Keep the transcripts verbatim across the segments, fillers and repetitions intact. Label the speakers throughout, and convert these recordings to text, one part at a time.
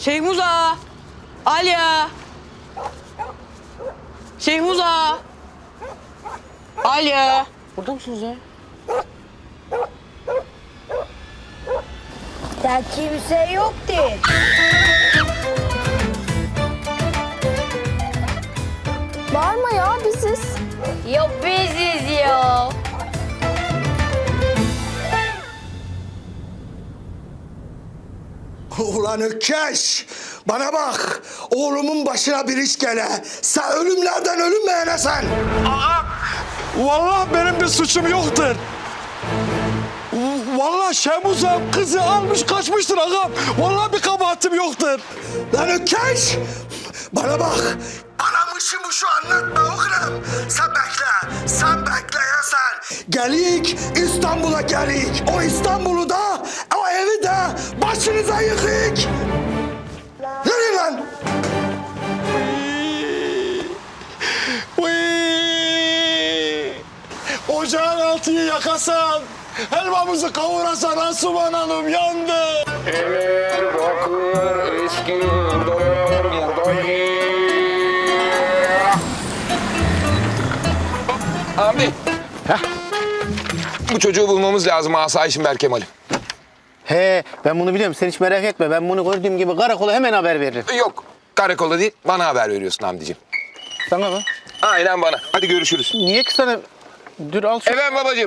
Speaker 1: Şehmuza! Alya! Şehmuza! Alya! Burada mısınız ya?
Speaker 2: Ya kimse yok değil.
Speaker 3: Bağırma ya, biziz.
Speaker 2: Yok biziz ya.
Speaker 4: Ulan Ökkeş! Bana bak! Oğlumun başına bir iş gele. Sen ölümlerden ölünmeyene sen!
Speaker 5: Aa, vallahi benim bir suçum yoktur. Vallahi Şemuzem kızı almış kaçmıştır ağam. Vallahi bir kabahatim yoktur.
Speaker 4: Lan Ökkeş! Bana bak! Bana mışı mışı anlatma oğlum. Sen bekle. Sen bekle ya sen. Gelik İstanbul'a gelik. O İstanbul'u da o evi de başınıza yıkık. Yürüyün lan.
Speaker 5: Uy! Ocağın altıyı yakasan, helvamızı kavurasan Asuman Hanım yandı.
Speaker 6: Eller bakır eski dolar buradayım. Abi. Heh. Bu çocuğu bulmamız lazım asayişim Berkemal'im.
Speaker 7: He, ben bunu biliyorum. Sen hiç merak etme. Ben bunu gördüğüm gibi karakola hemen haber veririm.
Speaker 6: Yok karakola değil bana haber veriyorsun Hamdi'ciğim.
Speaker 7: Sana mı?
Speaker 6: Aynen bana. Hadi görüşürüz.
Speaker 7: Niye ki sana... Dur al şu...
Speaker 6: Efendim babacığım.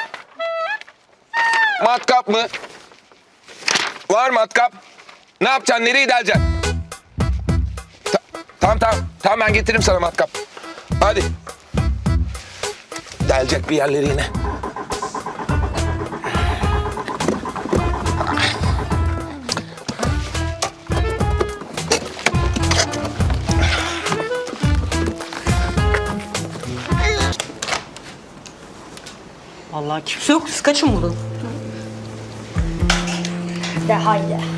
Speaker 6: Matkap mı? Var matkap. Ne yapacaksın? Nereye deleceksin? Ta tamam tamam. Tamam ben getiririm sana matkap. Hadi. Delecek bir yerleri yine.
Speaker 1: Vallahi kimse yok. Siz kaçın buradan.
Speaker 2: De haydi.
Speaker 3: Ya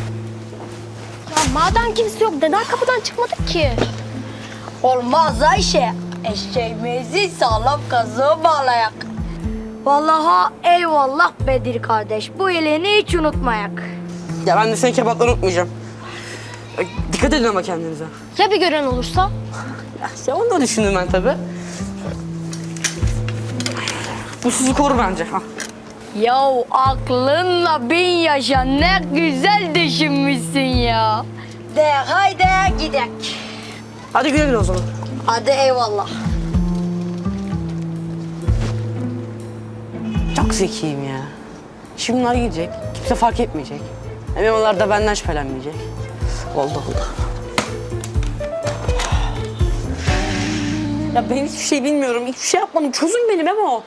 Speaker 3: madem kimse yok, neden kapıdan çıkmadık ki?
Speaker 2: Olmaz Ayşe. Eşeğimizi sağlam kazığa bağlayak. Vallahi eyvallah Bedir kardeş. Bu iyiliğini hiç unutmayak.
Speaker 1: Ya ben de senin kebapları unutmayacağım. E, Dikkat edin ama kendinize.
Speaker 3: Ya bir gören olursa?
Speaker 1: Ya onu da düşündüm ben tabii. Bu sizi korur bence. Ha.
Speaker 2: Yahu aklınla bin yaşa ne güzel düşünmüşsün ya. De haydi gidek.
Speaker 1: Hadi güle güle o zaman.
Speaker 2: Hadi eyvallah.
Speaker 1: Çok zekiyim ya. Şimdi bunlar gidecek. Kimse fark etmeyecek. Memolar da benden şüphelenmeyecek. Oldu oldu. Ya ben hiçbir şey bilmiyorum. Hiçbir şey yapmadım. Çözün beni Memo.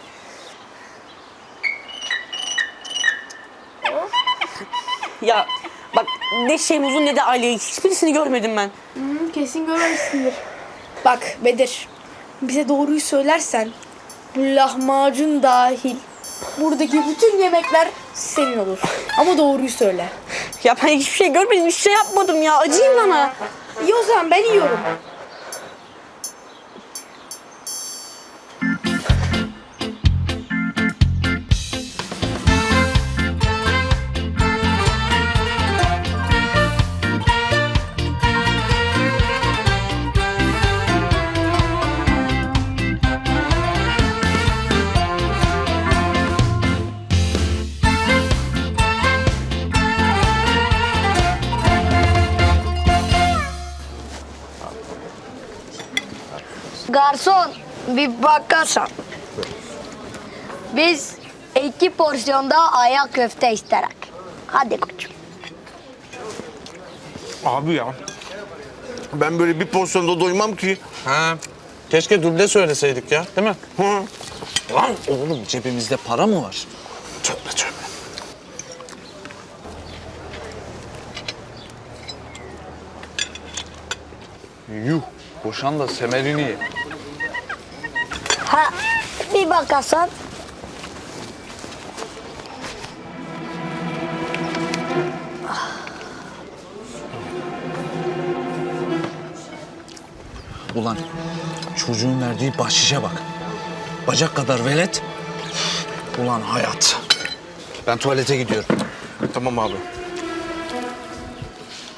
Speaker 1: Ya bak ne Şemuz'un ne de Ali'yi hiçbirisini görmedim ben.
Speaker 3: Hı, kesin görmemişsindir. Bak Bedir, bize doğruyu söylersen bu lahmacun dahil buradaki bütün yemekler senin olur. Ama doğruyu söyle.
Speaker 1: Ya ben hiçbir şey görmedim. Hiçbir şey yapmadım ya. Acıyın bana.
Speaker 3: İyi o zaman ben yiyorum.
Speaker 2: Garson bir bakarsan. Biz iki porsiyonda ayak köfte isterek. Hadi koçum.
Speaker 8: Abi ya. Ben böyle bir porsiyonda doymam ki.
Speaker 5: Ha, keşke duble söyleseydik ya, değil mi?
Speaker 8: Hı.
Speaker 9: Lan oğlum cebimizde para mı var?
Speaker 8: Tövbe tövbe.
Speaker 9: Yuh, boşan da semerini ye.
Speaker 2: Ha bir bakarsan.
Speaker 9: Ulan çocuğun verdiği bahşişe bak. Bacak kadar velet. Ulan hayat. Ben tuvalete gidiyorum.
Speaker 8: Tamam abi.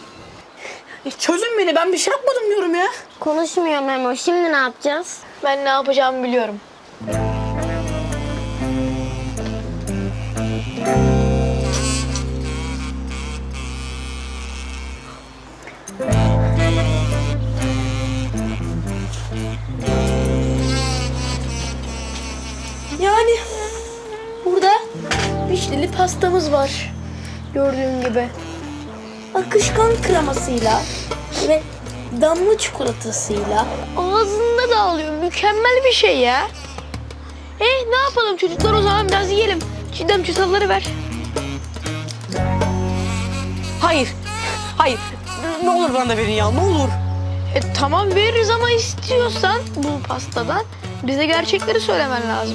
Speaker 1: E, çözün beni, ben bir şey yapmadım diyorum ya.
Speaker 2: Konuşmuyor Memo. Şimdi ne yapacağız?
Speaker 3: Ben ne yapacağımı biliyorum. Yani burada vişneli pastamız var. Gördüğün gibi. Akışkan kremasıyla ve damla çikolatasıyla ağzında dağılıyor. Mükemmel bir şey ya. E ne yapalım çocuklar, o zaman biraz yiyelim. Çiğdem çatalları ver.
Speaker 1: Hayır, hayır. Ne olur bana da verin ya, ne olur.
Speaker 3: E tamam veririz ama istiyorsan bu pastadan bize gerçekleri söylemen lazım.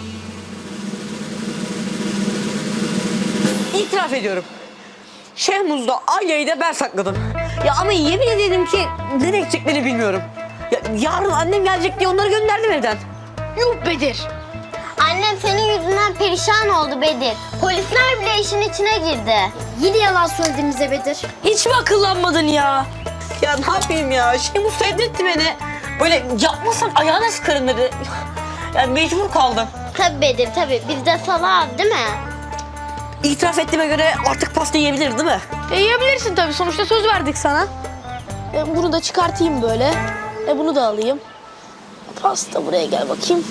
Speaker 1: İtiraf ediyorum. Şehmuz'da Alya'yı da ben sakladım. Ya ama yemin ederim ki nereye gideceklerini bilmiyorum. Ya, yarın annem gelecek diye onları gönderdim evden.
Speaker 3: Yuh Bedir.
Speaker 2: Annem senin yüzünden perişan oldu Bedir. Polisler bile işin içine girdi. Yine yalan söyledin bize Bedir.
Speaker 1: Hiç mi akıllanmadın ya? Ya ne yapayım ya? Şehmuz sevdirtti beni. Böyle yapmasan ayağına sıkarım dedi. Yani mecbur kaldım.
Speaker 2: Tabii Bedir tabii. Biz de salak değil mi?
Speaker 1: İtiraf ettiğime göre artık pasta yiyebiliriz değil mi?
Speaker 3: E yiyebilirsin tabii, sonuçta söz verdik sana. E, bunu da çıkartayım böyle. E bunu da alayım. Pasta buraya gel bakayım.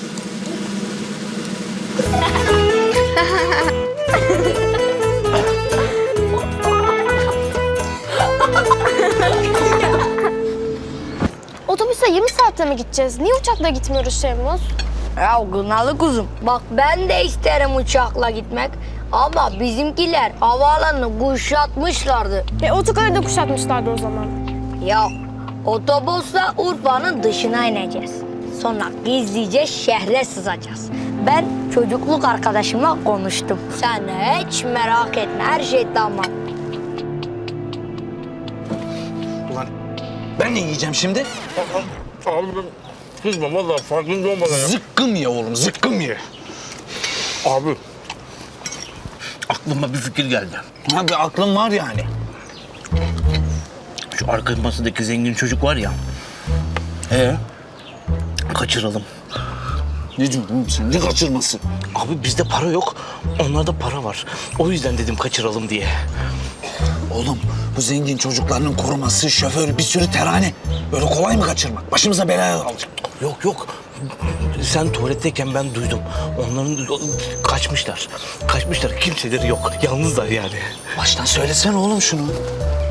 Speaker 2: Otobüse yirmi saatte mi gideceğiz? Niye uçakla gitmiyoruz Şehmuz? Ya Gınalı kuzum, bak ben de isterim uçakla gitmek. Ama bizimkiler havaalanını kuşatmışlardı.
Speaker 10: E otogarı da kuşatmışlardı o zaman.
Speaker 2: Ya otobüsle Urfa'nın dışına ineceğiz. Sonra gizlice şehre sızacağız. Ben çocukluk arkadaşımla konuştum. Sen hiç merak etme, her şey tamam.
Speaker 9: Ulan ben ne yiyeceğim şimdi?
Speaker 8: Abi kızma vallahi farkında olmadan ya.
Speaker 9: Zıkkım ye oğlum, zıkkım ye.
Speaker 8: Abi
Speaker 7: Aklıma bir fikir geldi.
Speaker 9: Ha bir aklım var yani.
Speaker 7: Şu arka masadaki zengin çocuk var ya. Ee, kaçıralım.
Speaker 9: Ne diyorsun oğlum sen? Ne kaçırması?
Speaker 7: Abi bizde para yok, onlarda para var. O yüzden dedim kaçıralım diye.
Speaker 9: Oğlum bu zengin çocuklarının koruması, şoförü, bir sürü terane. Böyle kolay mı kaçırmak? Başımıza belaya alacak.
Speaker 7: Yok yok. Sen tuvaletteyken ben duydum. Onların kaçmışlar. Kaçmışlar. Kimseleri yok. Yalnızlar yani.
Speaker 9: Baştan söylesene oğlum şunu.